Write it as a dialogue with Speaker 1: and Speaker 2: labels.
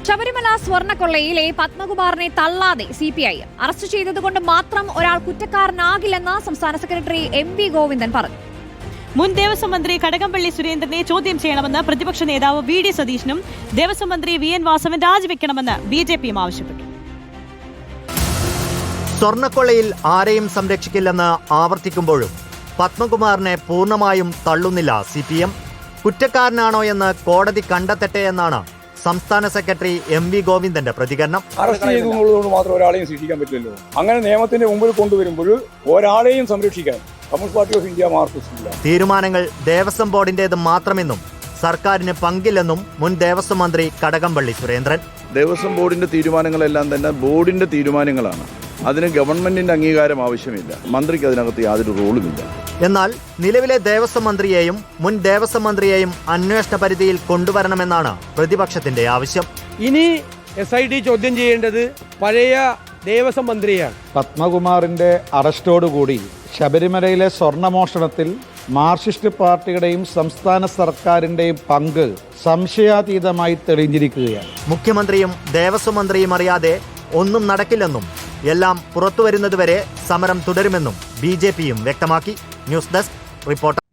Speaker 1: ശബരിമല സ്വർണ്ണക്കൊള്ളയിലെ പത്മകുമാറിനെ തള്ളാതെ CPI അറസ്റ്റ് ചെയ്തതുകൊണ്ട് മാത്രം ഒരാൾ കുറ്റക്കാരനാകില്ലെന്ന് സംസ്ഥാന സെക്രട്ടറി MV ഗോവിന്ദൻ പറഞ്ഞു.
Speaker 2: മുൻ ദേവസ്വം മന്ത്രി കടകംപള്ളി സുരേന്ദ്രനെ ചോദ്യം ചെയ്യണമെന്ന് പ്രതിപക്ഷ നേതാവ് VD സതീശനും ദേവസ്വം മന്ത്രി VN വാസവൻ രാജിവെക്കണമെന്ന് BJPയും ആവശ്യപ്പെട്ടു.
Speaker 3: സ്വർണ്ണക്കൊള്ളയിൽ ആരെയും സംരക്ഷിക്കില്ലെന്ന് ആവർത്തിക്കുമ്പോഴും പത്മകുമാറിനെ പൂർണ്ണമായും തള്ളുന്നില്ല CPM. കുറ്റക്കാരനാണോ എന്ന് കോടതി കണ്ടെത്തട്ടെ എന്നാണ് സംസ്ഥാന സെക്രട്ടറി MV ഗോവിന്ദന്റെ പ്രതികരണം.
Speaker 4: അറസ്റ്റ് ചെയ്തതുകൊണ്ട് മാത്രം ഒരാളെയും ശിക്ഷിക്കാൻ പറ്റില്ലല്ലോ. അങ്ങനെ നിയമത്തിന്റെ മുമ്പിൽ കൊണ്ടുവരുമ്പോൾ ഒരാളെയും സംരക്ഷിക്കാൻ കമ്മ്യൂണിസ്റ്റ് പാർട്ടി ഓഫ് ഇന്ത്യ മാർക്സിസ്റ്റില്ല.
Speaker 3: തീരുമാനങ്ങൾ ദേവസ്വം ബോർഡിന്റേത് മാത്രമെന്നും സർക്കാരിന് പങ്കില്ലെന്നും മുൻ ദേവസ്വം മന്ത്രി കടകംപള്ളി സുരേന്ദ്രൻ.
Speaker 5: ദേവസ്വം ബോർഡിന്റെ തീരുമാനങ്ങളെല്ലാം തന്നെ ബോർഡിന്റെ തീരുമാനങ്ങളാണ്. അതിന് ഗവൺമെന്റിന്റെ അംഗീകാരം ആവശ്യമില്ല. മന്ത്രിക്ക് അതിനകത്ത് യാതൊരു റോളുമില്ല.
Speaker 3: എന്നാൽ നിലവിലെ ദേവസ്വം മന്ത്രിയെയും മുൻ ദേവസ്വം മന്ത്രിയെയും അന്വേഷണ പരിധിയിൽ കൊണ്ടുവരണമെന്നാണ് പ്രതിപക്ഷത്തിന്റെ ആവശ്യം.
Speaker 6: ഇനി SIT ചോദ്യം ചെയ്യേണ്ടത് പഴയ ദേവസ്വം മന്ത്രിയാണ്.
Speaker 7: പത്മകുമാറിന്റെ അറസ്റ്റോടുകൂടി ശബരിമലയിലെ സ്വർണ്ണമോഷണത്തിൽ മാർക്സിസ്റ്റ് പാർട്ടിയുടെയും സംസ്ഥാന സർക്കാരിന്റെയും പങ്ക് സംശയാതീതമായി തെളിഞ്ഞിരിക്കുകയാണ്.
Speaker 3: മുഖ്യമന്ത്രിയും ദേവസ്വം മന്ത്രിയും അറിയാതെ ഒന്നും നടക്കില്ലെന്നും എല്ലാം പുറത്തുവരുന്നതുവരെ സമരം തുടരുമെന്നും BJPയും വ്യക്തമാക്കി. News desk reporter.